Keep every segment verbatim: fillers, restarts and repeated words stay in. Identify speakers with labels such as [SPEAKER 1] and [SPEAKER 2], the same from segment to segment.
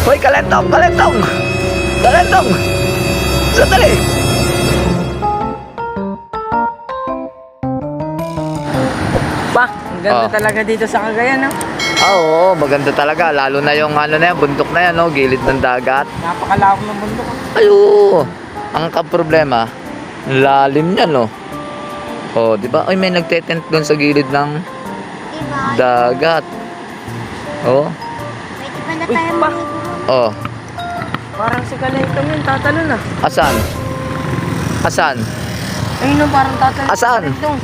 [SPEAKER 1] Hoy, kalentong, kalentong! Kalentong! Sandali!
[SPEAKER 2] Pa, ang ganda
[SPEAKER 1] Oh.
[SPEAKER 2] talaga dito sa Cagayan, no?
[SPEAKER 1] Ah, oo, maganda talaga. Lalo na yung ano na yan, bundok na yan, no? Gilid ng dagat.
[SPEAKER 2] Napakalawak ng bundok.
[SPEAKER 1] Ay, oo. Ang kaproblema, lalim niya, no? Oh, di ba? Ay, may nagtetent doon sa gilid ng
[SPEAKER 3] Diba?
[SPEAKER 1] dagat. Oh,
[SPEAKER 3] Pwede pa na
[SPEAKER 2] Uy,
[SPEAKER 3] tayo
[SPEAKER 2] pa.
[SPEAKER 3] maligo.
[SPEAKER 1] oh.
[SPEAKER 2] Parang si Kalentong yun, tatalo na.
[SPEAKER 1] Asan? Asan?
[SPEAKER 2] Ayun no, parang tatalo.
[SPEAKER 1] Asan?
[SPEAKER 2] Kalentong.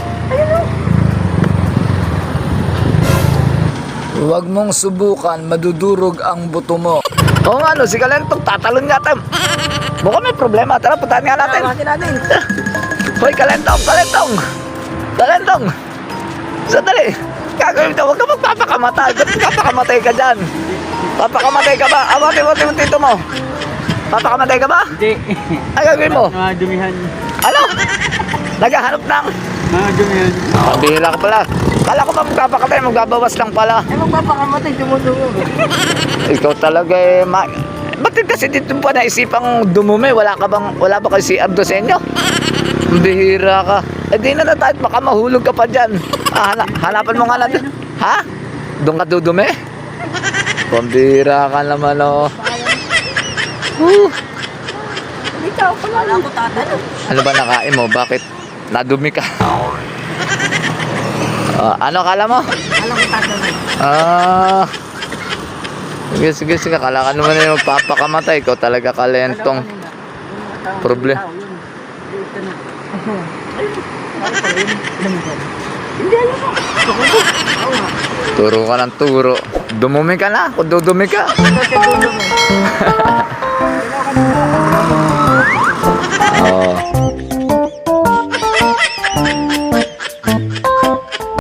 [SPEAKER 1] Huwag mong subukan, madudurog ang buto mo. Oo nga, no, si Kalentong, tatalon nga tayo. Mukhang may problema. Tara, puntahan nga natin.
[SPEAKER 2] Natin natin.
[SPEAKER 1] Hoy, Kalentong, Kalentong! Kalentong! Sandali! Gagawin ito, huwag ka magpapakamatay. Ba't magpapakamatay ka dyan? Papakamatay ka ba? Awati, awati, awati ito mo. Papakamatay ka ba?
[SPEAKER 2] Hindi.
[SPEAKER 1] Ay, gagawin mo.
[SPEAKER 2] Mga dumihan.
[SPEAKER 1] Ano? Naghahanap ng...
[SPEAKER 2] Mga dumihan.
[SPEAKER 1] Pabihila ka pala. Kala ko ba magpapakatay, magbabawas lang pala.
[SPEAKER 2] Eh, magpapakamatay, tumutungo.
[SPEAKER 1] Ikaw talaga eh, ma... Ba't kasi dito pa naisipang dumumi? Wala ka bang, wala ba kayo C R doon sa inyo? Bihira ka. Eh di na na tayo, baka mahulog ka pa dyan. Ah, hana, hanapan mo nga natin. Ha? Doon ka dudumi? Pambira ka naman oh. Whew.
[SPEAKER 2] Dito ako pala. Wala ko tatalo.
[SPEAKER 1] Ano ba nakain mo? Bakit nadumi ka? Ah, ano kala mo?
[SPEAKER 2] Alam ko tatalo.
[SPEAKER 1] Ah... Sige, sige, sige. Kala ka naman yung magpapakamatay. Ikaw talaga kalentong. Problem.
[SPEAKER 2] Hindi, alam mo.
[SPEAKER 1] Turo ka ng turo. Dumumi ka na. Kung dudumi ka.
[SPEAKER 2] Kasi dulo mo. Kailangan mo.